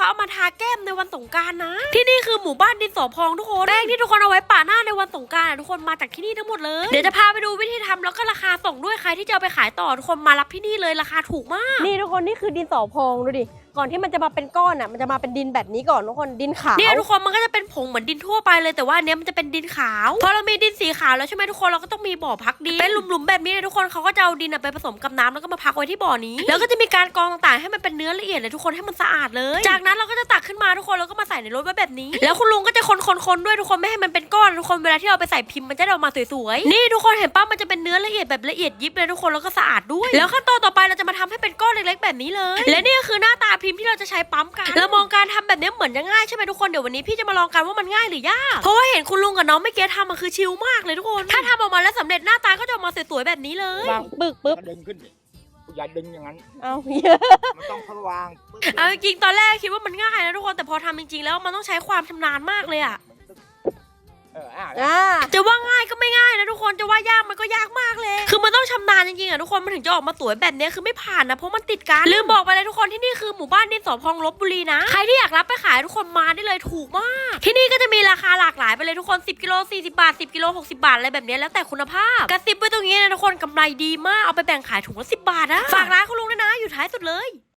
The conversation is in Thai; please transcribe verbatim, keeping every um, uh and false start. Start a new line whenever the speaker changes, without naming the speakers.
เขาเอามาทาแก้มในวันสงกรานต์นะที่นี่คือหมู่บ้านดินสอพองทุกคนแป้งที่ทุกคนเอาไว้ปะหน้าในวันสงกรานต์ทุกคนมาจากที่นี่ทั้งหมดเลยเดี๋ยวจะพาไปดูวิธีทำแล้วก็ราคาส่งด้วยใครที่จะเอาไปขายต่อทุกคนมารับที่นี่เลยราคาถูกมาก
นี่ทุกคนนี่คือดินสอพองดูดิก่อนที่มันจะมาเป็นก้อนอ่ะมันจะมาเป็นดินแบบนี้ก่อนทุกคนดินขาว
เนี่ยทุกคนมันก็จะเป็นผงเหมือนดินทั่วไปเลยแต่ว่าอันเนี้ยมันจะเป็นดินขาวพอเรามีดินสีขาวแล้วใช่ไหมทุกคนเราก็ต้องมีบ่อพักดินเป็นหลุมๆแบบนี้เลยทุกคนเขาก็จะเอาดินไปผสมกับน้ำแล้วก็มาพักไว้ที่บ่อนี้แล้วก็จะมีการกรองต่างๆให้มันเป็นเนื้อละเอียดเลยทุกคนให้มันสะอาดเลยจากนั้นเราก็จะตักขึ้นมาทุกคนแล้วก็มาใส่ในรถไว้แบบนี้แล้วคุณลุงก็จะคนๆๆด้วยทุกคนไม่ให้มันเป็นก้อนทุกคนเวลาที่เราไปใส่พิมพ์มันจะออกมาสวยๆนี่ทุกคนเห็นป่ะมันจะเป็นเนื้อละเอียดแบบละเอียดยิบเลยทุกคนแล้วก็สะอาดด้วยแล้วขั้นตอนต่อไปเราจะมาทำให้เป็นก้อนเล็กๆแบบนี้เลยและนี่ก็คือหน้าตาพิมพ์ที่เราจะใช้ปั๊มกันเรามองการทำแบบนี้เหมือนจะง่ายใช่ไหมทุกคนเดี๋ยววันนี้พี่จะมาลองกันว่ามันง่ายหรือยากเพราะว่าเห็นคุณลุงกับน้องเมื่อกี้ทำมันคือชิลมากเลยทุกคนถ้าทำออกมาแล้วสำเร็จหน้าตาก็จะออกมาสวยๆแบบนี้เลยว
างปึกปึ๊บ
ดึงขึ้นดิอย่าดึงอย่างนั้น
เอา
มันต้องเขาวาง
เอาจริงๆตอนแรกคิดว่ามันง่ายนะทุกคนแต่พอทำจริงๆแล้วมันต้องใช้ความชำนาญมากเลยอะ
เอออ่ะ
จะว่าง่ายก็ไม่ง่ายนะทุกคนจะว่ายากมันก็ยากมากเลยคือมันต้องชำนาญจริงๆอ่ะทุกคนมันถึงจะออกมาสวยแบบนี้คือไม่ผ่านนะเพราะมันติดกันลืมบอกไปเลยทุกคนที่นี่คือหมู่บ้านดินสอพองลพบุรีนะใครที่อยากรับไปขายทุกคนมาได้เลยถูกมากที่นี่ก็จะมีราคาหลากหลายไปเลยทุกคนสิบกิโลสี่สิบบาทสิบกิโลหกสิบบาทอะไรแบบนี้แล้วแต่คุณภาพกระซิบไว้ตรงนี้นะทุกคนกำไรดีมากเอาไปแบ่งขายถุงละสิบบาทนะฝากร้านคุณลุงด้วยนะอยู่ท้ายสุดเลย